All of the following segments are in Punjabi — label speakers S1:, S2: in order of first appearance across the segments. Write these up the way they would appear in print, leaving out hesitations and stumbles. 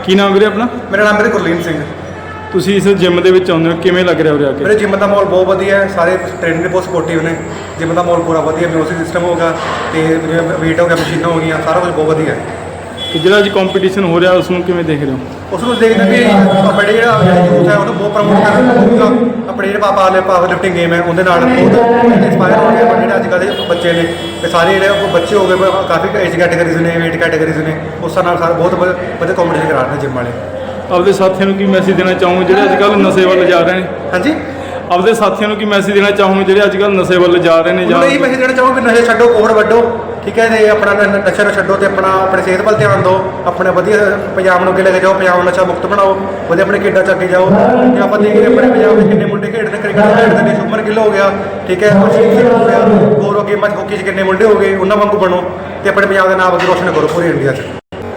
S1: ਕੀ ਨਾਮ ਵੀਰੇ ਆਪਣਾ?
S2: ਮੇਰਾ ਨਾਮ ਗੁਰਲੀਨ ਸਿੰਘ।
S1: ਤੁਸੀਂ ਇਸ ਜਿਮ ਦੇ ਵਿੱਚ ਆਉਂਦੇ ਹੋ, ਕਿਵੇਂ ਲੱਗ ਰਿਹਾ ਉਰੇ ਆ ਕੇ?
S2: ਮੇਰੇ ਜਿਮ ਦਾ ਮਾਹੌਲ ਬਹੁਤ ਵਧੀਆ ਹੈ, ਸਾਰੇ ਟ੍ਰੇਨਰ ਬਹੁਤ ਸਪੋਰਟਿਵ ਨੇ। ਜਿਮ ਦਾ ਮਾਹੌਲ ਪੂਰਾ ਵਧੀਆ, ਮਿਊਜ਼ਿਕ ਸਿਸਟਮ ਹੋਗਾ ਤੇ ਵੇਟ ਹੋ ਗਿਆ, ਮਸ਼ੀਨਾਂ ਹੋ ਗਈਆਂ, ਸਾਰਾ ਕੁਝ ਬਹੁਤ ਵਧੀਆ ਹੈ।
S1: ਤੇ ਜਿਹੜਾ ਅੱਜ ਕੰਪੀਟੀਸ਼ਨ ਹੋ ਰਿਹਾ ਉਸ ਨੂੰ ਕਿਵੇਂ ਦੇਖ ਰਹੇ ਹੋ?
S2: ਉਸ ਨੂੰ ਦੇਖਦੇ ਵੀ ਆਪਣੇ ਜਿਹੜਾ ਯੂਥ ਹੈ ਉਹਨੂੰ ਬਹੁਤ ਪ੍ਰਮੋਟ ਕਰਨਾ, ਆਪਣੇ ਜਿਹੜੇ ਪਾਵਰ ਲਿਫਟਿੰਗ ਗੇਮ ਹੈ ਉਹਦੇ ਨਾਲ ਬਹੁਤ ਇੰਸਪਾਇਰ ਹੋ ਗਏ। ਜਿਹੜੇ ਅੱਜ ਕੱਲ੍ਹ ਦੇ ਬੱਚੇ ਨੇ ਤੇ ਸਾਰੇ ਜਿਹੜੇ ਬੱਚੇ ਹੋ ਗਏ, ਕਾਫੀ ਏਜ ਕੈਟਾਗਰੀਜ਼ ਨੇ, ਵੇਟ ਕੈਟਾਗਰੀਜ਼ ਨੇ, ਉਸ ਨਾਲ ਸਾਰੇ ਬਹੁਤ ਵਧੀਆ ਕੰਪੀਟੀਸ਼ਨ ਕਰਾ ਰਹੇ ਨੇ ਜਿਮ ਵਾਲੇ।
S1: ਆਪਦੇ ਸਾਥੀਆਂ ਨੂੰ ਕੀ ਮੈਸੇਜ ਦੇਣਾ ਚਾਹੋਗੇ ਜਿਹੜੇ ਅੱਜ ਕੱਲ੍ਹ ਨਸ਼ੇ ਵੱਲ ਜਾ ਰਹੇ ਨੇ?
S2: ਹਾਂਜੀ,
S1: ਆਪਦੇ ਸਾਥੀਆਂ ਨੂੰ ਕੀ ਮੈਸੇਜ ਦੇਣਾ ਚਾਹੋਗੇ ਜਿਹੜੇ ਅੱਜ ਕੱਲ੍ਹ ਨਸ਼ੇ ਵੱਲ ਜਾ ਰਹੇ ਨੇ?
S2: ਜਾਂ ਇਹ ਮੈਸੇਜ ਦੇਣਾ ਚਾਹੋਗੇ ਨਸ਼ੇ ਛੱਡੋ, ਕੋਹੜ ਵੱਢੋ, ਠੀਕ ਹੈ, ਤੇ ਆਪਣਾ ਨਸ਼ਾ ਨੂੰ ਛੱਡੋ ਤੇ ਆਪਣੀ ਸਿਹਤ ਵੱਲ ਧਿਆਨ ਦਿਓ। ਆਪਣੇ ਵਧੀਆ ਪੰਜਾਬ ਨੂੰ ਅੱਗੇ ਲੈ ਕੇ ਜਾਓ, ਪੰਜਾਬ ਨੂੰ ਨਸ਼ਾ ਮੁਕਤ ਬਣਾਓ, ਵਧੀਆ ਆਪਣੇ ਖੇਡਾਂ 'ਚ ਅੱਗੇ ਜਾਓ। ਤੇ ਆਪਾਂ ਦੇਖਦੇ ਆਪਣੇ ਪੰਜਾਬ ਦੇ ਕਿੰਨੇ ਮੁੰਡੇ ਖੇਡਦੇ, ਕ੍ਰਿਕਟ ਖੇਡਦੇ ਨੇ, ਸ਼ੁਭਮਨ ਗਿੱਲ ਹੋ ਗਿਆ, ਠੀਕ ਹੈ, ਹਰਸ਼ਦੀਪ ਸਿੰਘ ਹੋ ਗਿਆ, ਹੋਰ ਗੇਮਾਂ 'ਚ ਹਾਕੀ 'ਚ ਕਿੰਨੇ ਮੁੰਡੇ ਹੋ ਗਏ, ਉਹਨਾਂ ਵਾਂਗੂ ਬਣੋ ਤੇ ਆਪਣੇ ਪੰਜਾਬ ਦਾ ਨਾਮ ਅੱਗੇ ਰੋਸ਼ਨ ਕਰੋ ਪੂਰੀ ਇੰਡੀਆ 'ਚ।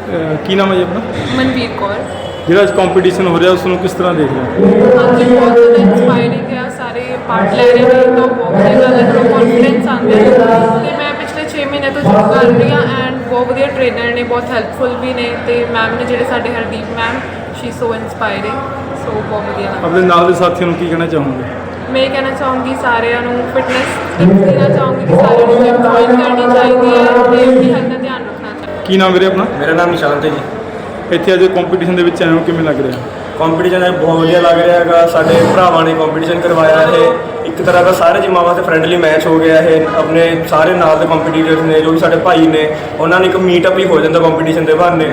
S1: ਕੀ ਨਾਮ ਹੈ ਜੀ ਆਪਣਾ?
S3: ਮਨਵੀਰ ਕੌਰ।
S1: ਜਿਹੜਾ ਅੱਜ ਕੰਪੀਟੀਸ਼ਨ ਹੋ ਰਿਹਾ ਉਸ ਨੂੰ ਕਿਸ ਤਰ੍ਹਾਂ ਦੇਖ ਰਹੇ ਹੋ?
S3: ਹਾਂਜੀ, ਬਹੁਤ ਜ਼ਿਆਦਾ ਇੰਸਪਾਇਰਿੰਗ ਹੈ, ਸਾਰੇ ਪਾਰਟ ਲੈ ਰਹੇ ਨੇ ਤਾਂ ਬਹੁਤ ਵਧੀਆ ਗੱਲ ਹੈ, ਥੋੜ੍ਹਾ ਕੌਨਫੀਡੈਂਸ ਆਉਂਦਾ ਹੈ। ਅਤੇ ਮੈਂ ਪਿਛਲੇ 6 ਮਹੀਨੇ ਤੋਂ ਜੁੜ ਕਰ ਰਹੀ ਹਾਂ ਐਂਡ ਬਹੁਤ ਵਧੀਆ ਟ੍ਰੇਨਰ ਨੇ, ਬਹੁਤ ਹੈਲਪਫੁਲ ਵੀ ਨੇ, ਅਤੇ ਮੈਮ ਨੇ ਜਿਹੜੇ ਸਾਡੇ Hardeep ma'am, she so inspiring, so ਬਹੁਤ ਵਧੀਆ।
S1: ਆਪਣੇ ਨਾਲ ਦੇ ਸਾਥੀਆਂ ਨੂੰ ਕੀ ਕਹਿਣਾ ਚਾਹੋਗੇ?
S3: ਮੈਂ ਇਹ ਕਹਿਣਾ ਚਾਹੂੰਗੀ ਸਾਰਿਆਂ ਨੂੰ ਫਿਟਨੈਸ ਟਿਪਸ ਦੇਣਾ ਚਾਹੂੰਗੀ ਕਿ ਸਾਰਿਆਂ ਨੂੰ ਜਿਮ ਜੁਆਇਨ ਕਰਨੀ ਚਾਹੀਦੀ ਹੈ ਅਤੇ ਆਪਣੀ ਹੈਲਥ ਦਾ ਧਿਆਨ ਰੱਖਣਾ ਚਾਹੀਦਾ।
S1: ਕੀ ਨਾਮ ਵੀਰੇ ਆਪਣਾ?
S4: ਮੇਰਾ ਨਾਮ ਨਿਸ਼ਾਂਤ ਹੈ ਜੀ।
S1: ਇੱਥੇ ਅੱਜ ਕੰਪੀਟੀਸ਼ਨ ਦੇ ਵਿੱਚ ਆਏ ਹੋ, ਕਿਵੇਂ ਲੱਗ ਰਿਹਾ?
S4: ਕੰਪੀਟੀਸ਼ਨ ਬਹੁਤ ਵਧੀਆ ਲੱਗ ਰਿਹਾ ਹੈਗਾ। ਸਾਡੇ ਭਰਾਵਾਂ ਨੇ ਕੰਪੀਟੀਸ਼ਨ ਕਰਵਾਇਆ। ਇਹ ਇੱਕ ਤਰ੍ਹਾਂ ਦਾ ਸਾਰੇ ਜਿੰਮਾਂ ਵਾਸਤੇ ਫਰੈਂਡਲੀ ਮੈਚ ਹੋ ਗਿਆ। ਇਹ ਆਪਣੇ ਸਾਰੇ ਨਾਲ ਦੇ ਕੰਪੀਟੀਟਰਸ ਨੇ ਜੋ ਵੀ ਸਾਡੇ ਭਾਈ ਨੇ, ਉਹਨਾਂ ਨੇ ਇੱਕ ਮੀਟਅਪ ਹੀ ਹੋ ਜਾਂਦਾ ਕੰਪੀਟੀਸ਼ਨ ਦੇ ਬਹਾਨੇ।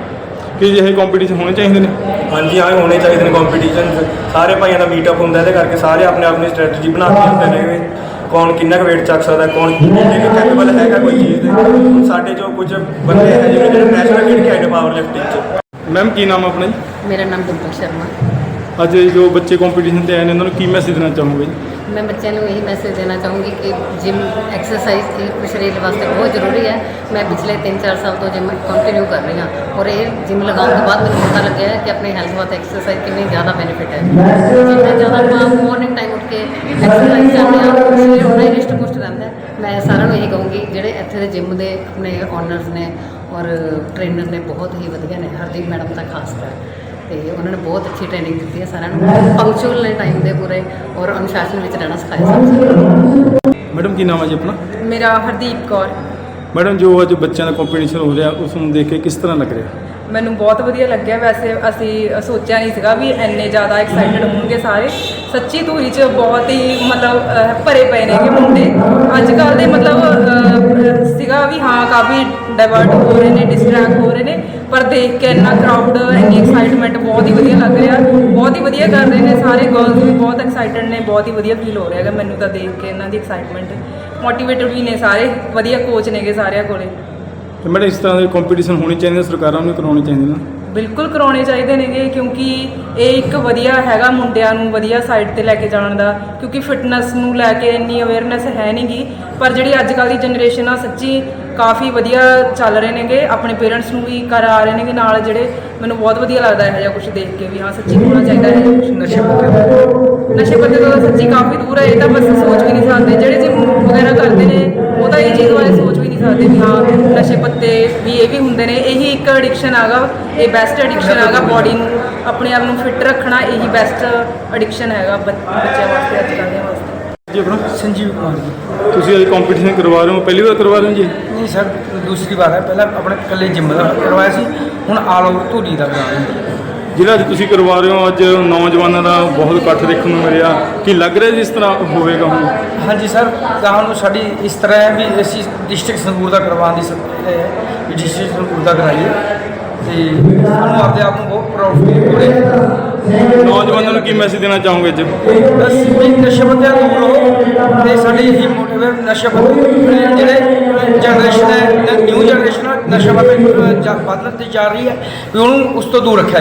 S1: ਕੀ ਇਹ ਕੰਪੀਟੀਸ਼ਨ ਹੋਣੇ ਚਾਹੀਦੇ ਨੇ?
S4: ਹਾਂਜੀ ਹਾਂ, ਹੋਣੇ ਚਾਹੀਦੇ ਨੇ ਕੰਪੀਟੀਸ਼ਨ। ਸਾਰੇ ਭਾਈਆਂ ਦਾ ਮੀਟਅਪ ਹੁੰਦਾ, ਇਹਦੇ ਕਰਕੇ ਸਾਰੇ ਆਪਣੇ ਆਪਣੀ ਸਟ੍ਰੈਟਜੀ ਬਣਾ ਕੇ ਹੁੰਦੇ ਨੇ। ਕੌਣ ਕਿੰਨਾ ਕੁ ਵੇਟ ਚੱਕ ਸਕਦਾ, ਕੌਣ ਕਿੰਨੇ ਕੈਪੇਬਲ ਹੈਗਾ ਕੋਈ ਚੀਜ਼ ਦੇ। ਹੁਣ ਸਾਡੇ ਜੋ ਕੁਝ ਬੰਦੇ ਹੈ ਜਿਹੜੇ ਨੈਸ਼ਨਲ ਖੇਡ ਕੇ ਆਏ ਨੇ ਪਾਵਰ ਲਿਫਟਿੰਗ 'ਚ।
S1: ਮੈਮ ਕੀ ਨਾਮ ਆਪਣਾ ਜੀ?
S5: ਮੇਰਾ ਨਾਮ ਡਿੰਪਲ ਸ਼ਰਮਾ।
S1: ਅੱਜ ਜੋ ਬੱਚੇ ਕੰਪੀਟੀਸ਼ਨ 'ਤੇ ਆਏ ਨੇ ਉਹਨਾਂ ਨੂੰ ਕੀ ਮੈਸੇਜ ਦੇਣਾ ਚਾਹੋਗੇ?
S5: ਮੈਂ ਬੱਚਿਆਂ ਨੂੰ ਇਹੀ ਮੈਸੇਜ ਦੇਣਾ ਚਾਹੂੰਗੀ ਕਿ ਜਿਮ ਐਕਸਰਸਾਈਜ਼ ਇਹ ਸਰੀਰ ਵਾਸਤੇ ਬਹੁਤ ਜ਼ਰੂਰੀ ਹੈ। ਮੈਂ ਪਿਛਲੇ 3-4 ਸਾਲ ਤੋਂ ਜਿਮ ਕੰਟੀਨਿਊ ਕਰ ਰਹੀ ਹਾਂ ਔਰ ਇਹ ਜਿਮ ਲਗਾਉਣ ਤੋਂ ਬਾਅਦ ਮੈਨੂੰ ਪਤਾ ਲੱਗਿਆ ਹੈ ਕਿ ਆਪਣੀ ਹੈਲਥ ਵਾਸਤੇ ਐਕਸਰਸਾਈਜ਼ ਕਿੰਨੀ ਜ਼ਿਆਦਾ ਬੈਨੀਫਿਟ ਹੈ। ਜਿੰਨਾ ਜ਼ਿਆਦਾ ਆਪਾਂ ਮਾਰਨਿੰਗ ਟਾਈਮ ਉੱਠ ਕੇ ਐਕਸਰਸਾਈਜ਼ ਕਰਦੇ ਹਾਂ, ਸਰੀਰ ਉਨਾ ਹੀ ਰਿਸ਼ਟ ਪੁਸ਼ਟ ਰਹਿੰਦਾ ਹੈ। ਮੈਂ ਸਾਰਿਆਂ ਨੂੰ ਇਹੀ ਕਹੂੰਗੀ ਜਿਹੜੇ ਇੱਥੇ ਦੇ ਜਿਮ ਦੇ ਆਪਣੇ ਓਨਰਸ ਨੇ ਔਰ ਟ੍ਰੇਨਰ ਨੇ, ਬਹੁਤ ਹੀ ਵਧੀਆ ਨੇ, ਹਰਦੀਪ ਮੈਡਮ ਤਾਂ ਖਾਸ ਕਰ, ਅਤੇ ਉਹਨਾਂ ਨੇ ਬਹੁਤ ਅੱਛੀ ਟ੍ਰੇਨਿੰਗ ਦਿੱਤੀ ਹੈ ਸਾਰਿਆਂ ਨੂੰ। ਪੰਕਚੁਅਲ ਨੇ ਟਾਈਮ ਦੇ ਪੂਰੇ ਔਰ ਅਨੁਸ਼ਾਸਨ ਵਿੱਚ ਰਹਿਣਾ ਸਿਖਾਇਆ ਸਭ।
S1: ਮੈਡਮ ਕੀ ਨਾਮ ਹੈ ਜੀ ਆਪਣਾ?
S3: ਮੇਰਾ ਹਰਦੀਪ ਕੌਰ।
S1: ਮੈਡਮ ਜੋ ਅੱਜ ਬੱਚਿਆਂ ਦਾ ਕੰਪੀਟੀਸ਼ਨ ਹੋ ਰਿਹਾ ਉਸ ਨੂੰ ਦੇਖ ਕੇ ਕਿਸ ਤਰ੍ਹਾਂ ਲੱਗ ਰਿਹਾ?
S3: ਮੈਨੂੰ ਬਹੁਤ ਵਧੀਆ ਲੱਗਿਆ। ਵੈਸੇ ਅਸੀਂ ਸੋਚਿਆ ਨਹੀਂ ਸੀਗਾ ਵੀ ਇੰਨੇ ਜ਼ਿਆਦਾ ਐਕਸਾਈਟਡ ਹੋਣਗੇ ਸਾਰੇ। ਸੱਚੀ ਧੂਰੀ 'ਚ ਬਹੁਤ ਹੀ ਮਤਲਬ ਭਰੇ ਪਏ ਨੇਗੇ ਮੁੰਡੇ ਅੱਜ ਕੱਲ੍ਹ ਦੇ। ਮਤਲਬ ਸੀਗਾ ਵੀ ਹਾਂ ਕਾਫੀ ਡਾਇਵਰਟ ਹੋ ਰਹੇ ਨੇ, ਡਿਸਟਰੈਕਟ ਹੋ ਰਹੇ ਨੇ, ਪਰ ਦੇਖ ਕੇ ਇੰਨਾ ਕਰਾਊਡ, ਇੰਨੀ ਐਕਸਾਈਟਮੈਂਟ, ਬਹੁਤ ਹੀ ਵਧੀਆ ਲੱਗ ਰਿਹਾ। ਬਹੁਤ ਹੀ ਵਧੀਆ ਕਰ ਰਹੇ ਨੇ ਸਾਰੇ, ਗਰਲਸ ਵੀ ਬਹੁਤ ਐਕਸਾਈਟਡ ਨੇ, ਬਹੁਤ ਹੀ ਵਧੀਆ ਫੀਲ ਹੋ ਰਿਹਾ ਹੈਗਾ ਮੈਨੂੰ ਤਾਂ ਦੇਖ ਕੇ ਇਹਨਾਂ ਦੀ ਐਕਸਾਈਟਮੈਂਟ। ਮੋਟੀਵੇਟਡ ਵੀ ਨੇ ਸਾਰੇ, ਵਧੀਆ ਕੋਚ ਨੇਗੇ ਸਾਰਿਆਂ ਕੋਲੇ।
S1: ਤੇ ਮੈਡਮ ਇਸ ਤਰ੍ਹਾਂ ਦੇ ਕੰਪੀਟੀਸ਼ਨ ਹੋਣੇ ਚਾਹੀਦੇ, ਸਰਕਾਰਾਂ ਨੂੰ ਕਰਾਉਣੇ ਚਾਹੀਦੇ ਨੇ?
S3: ਬਿਲਕੁਲ ਕਰਾਉਣੇ ਚਾਹੀਦੇ ਨੇਗੇ, ਕਿਉਂਕਿ ਇਹ ਇੱਕ ਵਧੀਆ ਹੈਗਾ ਮੁੰਡਿਆਂ ਨੂੰ ਵਧੀਆ ਸਾਈਡ 'ਤੇ ਲੈ ਕੇ ਜਾਣ ਦਾ। ਕਿਉਂਕਿ ਫਿਟਨੈਸ ਨੂੰ ਲੈ ਕੇ ਇੰਨੀ ਅਵੇਅਰਨੈਸ ਹੈ ਨਹੀਂ ਗੀ, ਪਰ ਜਿਹੜੀ ਅੱਜ ਕੱਲ੍ਹ ਦੀ ਜਨਰੇਸ਼ਨ ਆ ਸੱਚੀ ਕਾਫੀ ਵਧੀਆ ਚੱਲ ਰਹੇ ਨੇਗੇ। ਆਪਣੇ ਪੇਰੈਂਟਸ ਨੂੰ ਵੀ ਕਰਾ ਰਹੇ ਨੇਗੇ ਨਾਲ, ਜਿਹੜੇ ਮੈਨੂੰ ਬਹੁਤ ਵਧੀਆ ਲੱਗਦਾ ਇਹੋ ਜਿਹਾ ਕੁਛ ਦੇਖ ਕੇ ਵੀ ਹਾਂ ਸੱਚੀ ਹੋਣਾ ਚਾਹੀਦਾ ਹੈ ਕੁਛ। ਨਸ਼ੇ ਪੱਤੇ ਤੋਂ ਸੱਚੀ ਕਾਫੀ ਦੂਰ ਹੈ, ਇਹ ਤਾਂ ਬਸ ਸੋਚ ਵੀ ਨਹੀਂ ਸਕਦੇ। ਜਿਹੜੇ ਜਿਮ ਵਗੈਰਾ ਕਰਦੇ ਨੇ ਉਹ ਤਾਂ ਇਹ ਚੀਜ਼ ਬਾਰੇ ਸੋਚ ਵੀ ਨਹੀਂ ਸਕਦੇ ਵੀ ਹਾਂ ਨਸ਼ੇ ਪੱਤੇ ਵੀ ਇਹ ਵੀ ਹੁੰਦੇ ਨੇ। ਇਹੀ ਇੱਕ ਐਡਿਕਸ਼ਨ ਹੈਗਾ, ਇਹ ਬੈਸਟ ਐਡਿਕਸ਼ਨ ਹੈਗਾ। ਬੋਡੀ ਨੂੰ, ਆਪਣੇ ਆਪ ਨੂੰ ਫਿੱਟ ਰੱਖਣਾ ਇਹੀ ਬੈਸਟ ਐਡਿਕਸ਼ਨ ਹੈਗਾ ਬੱਚਿਆਂ ਵਾਸਤੇ, ਅੱਜ ਕੱਲ੍ਹ ਦੇ ਵਾਸਤੇ।
S1: ਜੀ ਆਪਣਾ?
S6: संजीव कुमार जी।
S1: ਤੁਸੀਂ ਅੱਜ ਕੰਪੀਟੀਸ਼ਨ ਕਰਵਾ ਰਹੇ ਹੋ, ਪਹਿਲੀ ਵਾਰ ਕਰਵਾ ਰਹੇ ਹੋ ਜੀ?
S6: नहीं सर, दूसरी बार है। पहले अपने कल्ले जिम का करवाया सी, हुण आल ओवर धूरी का करा रहे हैं।
S1: ਜਿਹੜਾ ਅੱਜ ਤੁਸੀਂ ਕਰਵਾ ਰਹੇ ਹੋ, ਅੱਜ ਨੌਜਵਾਨਾਂ ਦਾ ਬਹੁਤ ਇਕੱਠ ਦੇਖਣ ਨੂੰ ਮਿਲਿਆ, ਕੀ ਲੱਗ ਰਿਹਾ ਜਿਸ ਤਰ੍ਹਾਂ ਹੋਵੇਗਾ ਹੁਣ?
S6: हाँ जी सर, ਸਾਨੂੰ ਸਾਡੀ ਇਸ ਤਰ੍ਹਾਂ ਹੈ ਵੀ ਅਸੀਂ ਡਿਸਟ੍ਰਿਕਟ ਸੰਗਰੂਰ ਦਾ ਕਰਵਾਉਣ ਦੀ ਵੀ ਡਿਸਟ੍ਰਿਕਟ ਸੰਗਰੂਰ ਦਾ ਕਰਾਈਏ ਤੇ ਸਾਨੂੰ ਆਪਦੇ ਆਪ ਨੂੰ ਬਹੁਤ ਪ੍ਰਾਊਡ ਫੀਲ ਹੋ ਰਿਹਾ।
S1: ਨੌਜਵਾਨਾਂ ਨੂੰ ਕੀ ਮੈਸੇਜ ਦੇਣਾ ਚਾਹੋਗੇ ਅੱਜ?
S6: ਬਸ ਵੀ ਨਸ਼ੇ ਪੱਤਿਆਂ ਤੋਂ ਦੂਰ ਰਹੋ ਤੇ ਸਾਡੀ ਇਹੀ ਮੋਟਿਵ ਹੈ। ਨਸ਼ੇ ਪੱਤੇ ਜਿਹੜੇ ਜਨਰੇਸ਼ਨ ਹੈ, ਨਿਊ ਜਨਰੇਸ਼ਨ ਨਸ਼ੇ ਪੱਤੇ ਵੱਧਣ ਤੇ ਜਾ ਰਹੀ ਹੈ ਵੀ ਉਹਨੂੰ ਉਸ ਤੋਂ ਦੂਰ ਰੱਖਿਆ